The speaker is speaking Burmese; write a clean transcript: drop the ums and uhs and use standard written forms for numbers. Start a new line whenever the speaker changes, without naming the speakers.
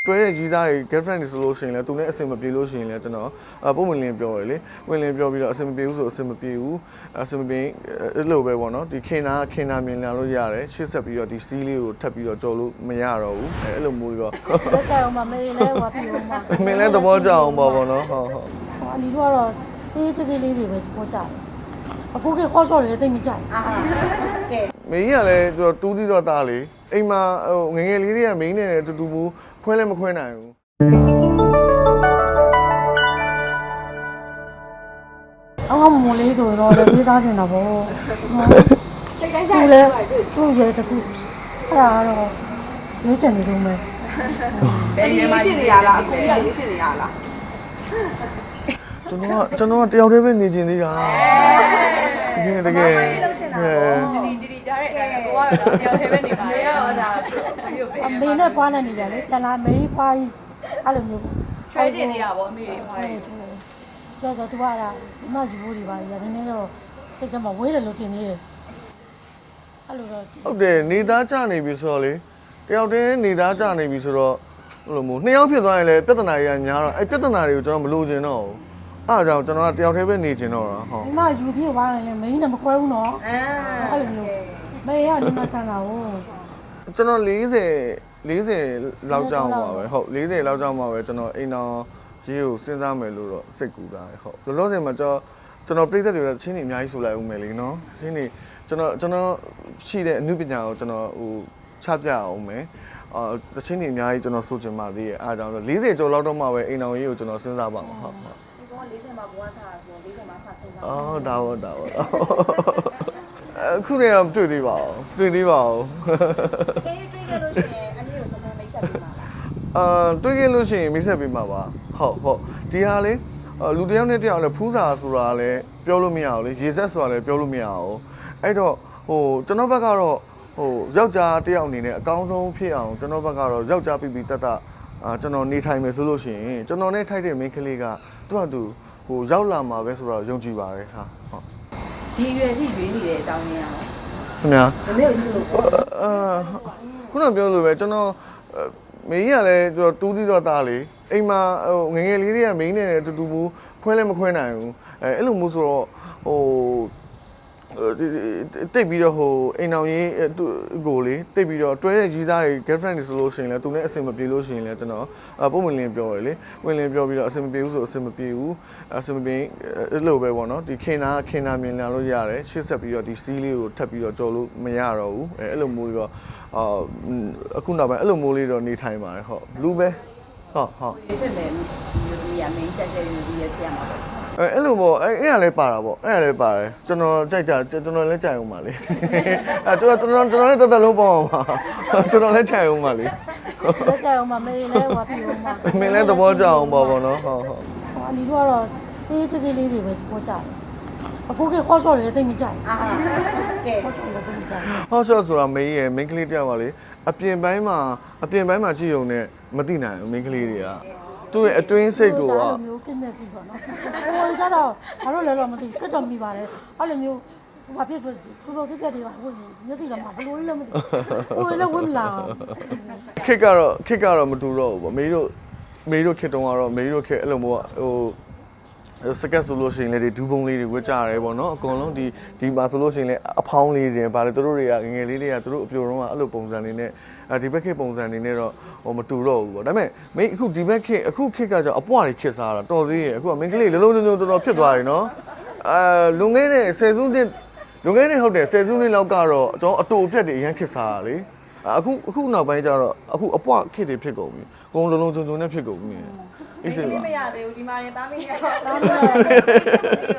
တွဲတဲ့ကြီးသားတွေ girlfriend တွေဆိုလို့ရှိရင်လည်းသူနဲ့အဆင်မပြေလို့ရှိရင်လည်းကျွန်တော်ပုံဝင်လင်းပြောရလေဝင်လင်းပြောပြီးတော့အဆင်မပြေဘူးဆိုအဆင်မပြေဘူးအဆင်မပြေအဲ့လိုပဲပေါ့နော်ဒီခင်နာမြင်လာလို့ရတယ်ရှေ့ဆက်ပြီးတော့ဒီစီးလေးကိုထပ်ပြီးတော့ကြော်လို့မရတော့ဘူးအဲ့လိုမျိုးတော့
လက်ကြအောင်မမေးလဲဟောပြအောင်မ
မင်းလည်းသဘောကျအောင်ပေါ့နော်ဟုတ်
ဟောအလီတို့ကတော့အေးစစ်စစ်လေးတွေပဲပေါ်ကြတယ်အခုကခေါ်ဆော့တယ်တိတ်မကြိုက်
ကဲမင်းကြီးကလည်းတူးသီးတော့တာလေအိမ်မှာငငယ်လေးတွေကမင်းနဲ့တူတူဘူးခွဲလည်းမခွဲနိုင်ဘူး
အော်မလေးဆိုတော့လည်းပြေးသားနေတာပေါ့စိတ်တိုင်းကြိုက်တယ်သူ့ရဲ့တခုအဲ့ဒါကတော့ရွေးချယ်နေလို့မယ်
ဘယ်ရေးရှိနေရလားအခုကရေးရှိနေရလား
ကျွန်တော်တယောက်တည်းပဲနေကျင်သေးတာတကယ်
ဒီကြားတဲ့အတိုင်းကိုကတော့တယောက်တည်းပဲနေပါလေဟုတ်တာ
အမေနဲ့ပွားနေကြလေတလားမေးပွားကြီးအဲ့လိုမျိုး
ချွဲကျင်နေရပါအမေတွေဖွားတယ်
တော့သူကလားဒီမှာယူဖို့ဒီပါရနည်းနည်းတော့စိတ်ကမှဝေးတယ်လို့တင်နေတယ်အဲ့လိုတော့
ဟုတ်တယ်နေသားကြနေပြီဆိုတော့လေတယောက်တည်းနေသားကြနေပြီဆိုတော့ဘယ်လိုမျိုးနှစ်ယောက်ဖြစ်သွားရင်လည်းပြဿနာကြီးများတော့အဲ့ပြဿနာတွေကိုကျွန်တော်မလိုချင်တော့ဘူးအားကြောင့်ကျွန်တော်ကတယောက်တည်းပဲနေချင်တော့တာဟုတ်
ဒီမှာယူဖြစ်သွားရင်လည်းမင်းနဲ့မခွဲဘူးနော်အဲ့လိုမျိုးမေးရဒီမှာခံတာဟုတ်
ကျွန်တော်40လောက်ကြောင်းပါပဲဟုတ်40လောက်ကြောင်းပါပဲကျွန်တော်အိမ်တော်ရေးကိုစဉ်းစားမယ်လို့တော့စိတ်ကူတာဟုတ်လောလောဆယ်မှာကျွန်တော်ပြည်သက်တွေချင်းနေအများကြီးဆိုလိုက်ဦးမယ်လေနော်ချင်းနေကျွန်တော်ရှိတဲ့အမှုပညာကိုကျွန်တော်ချပြအောင်မယ်တချင်းနေအများကြီးကျွန်တော်ဆိုချင်ပါသေးရဲ့အားကြောင့်40ကျော်လောက်တော့မှပဲအိမ်တော်ရေးကိုကျွန်တော်စဉ်းစားပါမှာဟုတ်
ဒီကောင်40မှာဘွားစားဆို40မှာစစဉ်းစား
ဒါအခုတည်းကတွေ့သေးပါဦး
တွေ့ခဲ့လို့ရှိရင်အနည်းကိုဆက်ဆက်မိတ်ဆက်ပေးပါလား
တွေ့ခဲ့လို့ရှိရင်မိတ်ဆက်ပေးမှာပါဟုတ်ဒီဟာလေလူတစ်ယောက်နဲ့တစ်ယောက်လည်းဖူးစာဆိုတာလည်းပြောလို့မရအောင်လေရေဆက်ဆိုတာလည်းပြောလို့မရအောင်အဲ့တော့ကျွန်တော်ဘက်ကတော့ယောက်ျားတစ်ယောက်အနေနဲ့အကောင်းဆုံးဖြစ်အောင်ကျွန်တော်ဘက်ကတော့ယောက်ျားပြီးတတ်ကျွန်တော်နေထိုင်မယ်ဆိုလို့ရှိရင်ကျွန်တော်နဲ့ထိုက်တဲ့မိန်းကလေးကသူ့ရောက်လာမှာပဲဆိုတော့ယုံကြည်ပါတယ်ဟာဟုတ်
ဒီရွယ်ထိရွေးနေတဲ့အကြောင်းရင်းအောင်
ခင်ဗျာ
မမေကိုချစ်လို့
ခုနပြောလို့ပဲကျွန်တော်မင်းကြီးကလည်းတူးသီးတော့တာလေအိမ်မှာငငယ်လေးတွေကမင်းနဲ့တူတူဘူးခွဲလည်းမခွဲနိုင်ဘူးအဲ့လိုမျိုးဆိုတော့တိတ်ပြီးတော့အိမ်အောင်ရေးကိုလေတိတ်ပြီးတော့တွဲတဲ့ကြီးသားတွေ girlfriend တွေဆိုလို့ရှိရင်လည်းသူနဲ့အဆင်မပြေလို့ရှိရင်လည်းကျွန်တော်ပုံဝင်လင်းပြောရလေဝင်လင်းပြောပြီးတော့အဆင်မပြေဘူးဆိုအဆင်မပြေဘူးအဆင်မပြေအဲ့လိုပဲပေါ့နော်ဒီခင်နာမြင်လာလို့ရတယ်ရှေ့ဆက်ပြီးတော့ဒီစီးလေးကိုထပ်ပြီးတော့ကြော်လို့မရတော့ဘူးအဲ့လိုမျိုးတော့အခုနောက်ပိုင်းအဲ့လိုမျိုးလေးတော့နေထိုင်ပါတယ်ဟုတ်လူပဲဟုတ်
ဒီချက်မယ်မျိုးကြီးရမင်းကြက်မျိုးကြီးရဖြစ်ရမှာပေါ့
အဲ့လိုပေါ့အဲ့ရလည်းပါတာပေါ့အဲ့ရလည်းပါတယ်ကျွန်တော်ကြိုက်တာကျွန်တော်လည်းကြိုက်အောင်ပါလေကျွန်တော်လည်းတော်တော်လုံးပေါ့ပါကျွန်တော်လည်းကြိုက်အောင်ပါလေ
လက်ကြအောင်မမေးလဲဟောပြအောင်
မင်းလည်းသဘောကျအောင်ပေါ့နော်ဟုတ်
အလီတို့ကတော့အေးစစ်စစ်လေးတွေပဲပေါ်ကြတယ်အခုကခေါ်ဆော့တယ်တိတ်မကြိုက်ကဲခေါ်ဆော့တယ်တိတ်မကြိုက်
ခေါ်ဆော့ဆိုတာမေးရဲ့မိန်းကလေးတယောက်ပါလေအပြင်ပိုင်းမှာကြည့်ုံနဲ့မသိနိုင်ဘူးမိန်းကလေးတွေကသူ့ရဲ့အတွင်းစိတ်ကိုက
မျိုးကိနေစီပေါ့နော်ဟိုကြတော့ဘာလို့လဲတော့မသိကတ်တော့မိပါတယ်အဲ့လိုမျိုးဘာဖြစ်ဖြစ်ကိုလိုပြက်တွေပါဟိုမျက်စိကမှဘလို့လဲမသိဟိုလည်းဝင်လာ
ခစ်ကတော့မတူတော့ဘူးပေါ့မေးတို့ခစ်တုံးကတော့မေးတို့ခစ်အဲ့လိုမျိုးစကက်ဆိုလို့ရှိရင်လည်းဒူးပုံလေးတွေဝတ်ကြရတယ်ပေါ့နော်အကုန်လုံးဒီမှာဆိုလို့ရှိရင်လည်းအဖောင်းလေးတွေဗါလေတို့တွေကငယ်လေးတွေကတို့အပြိုတော့အဲ့လိုပုံစံလေးနဲ့ဒီဘက်ခေတ်ပုံစံနေနဲ့တော့မတူတော့ဘူးပေါ့ဒါပေမဲ့မင်းအခုဒီဘက်ခေတ်အခုခေတ်ကကြောင့်အပွားတွေခေတ်စားတာတော်သေးရဲ့အခုကမင်းကလေးလုံးလုံးတော်ဖြစ်သွားပြီနော်လွန်ခဲ့တဲ့10စုနှစ်လွန်ခဲ့တဲ့ဟုတ်တယ်10စုနှစ်လောက်ကတော့ကျွန်တော်အတူအပြက်တွေအရန်ခေတ်စားတာလေအခုနောက်ပိုင်းကျတော့အခုအပွားခေတ်တွေဖြစ်ကုန်ပြီအကုန်လုံးနဲ့ဖြစ်ကုန်ပြီ
အေးစေးပါမရသေးဘူးဒီမှာနေတားမင်းရတော့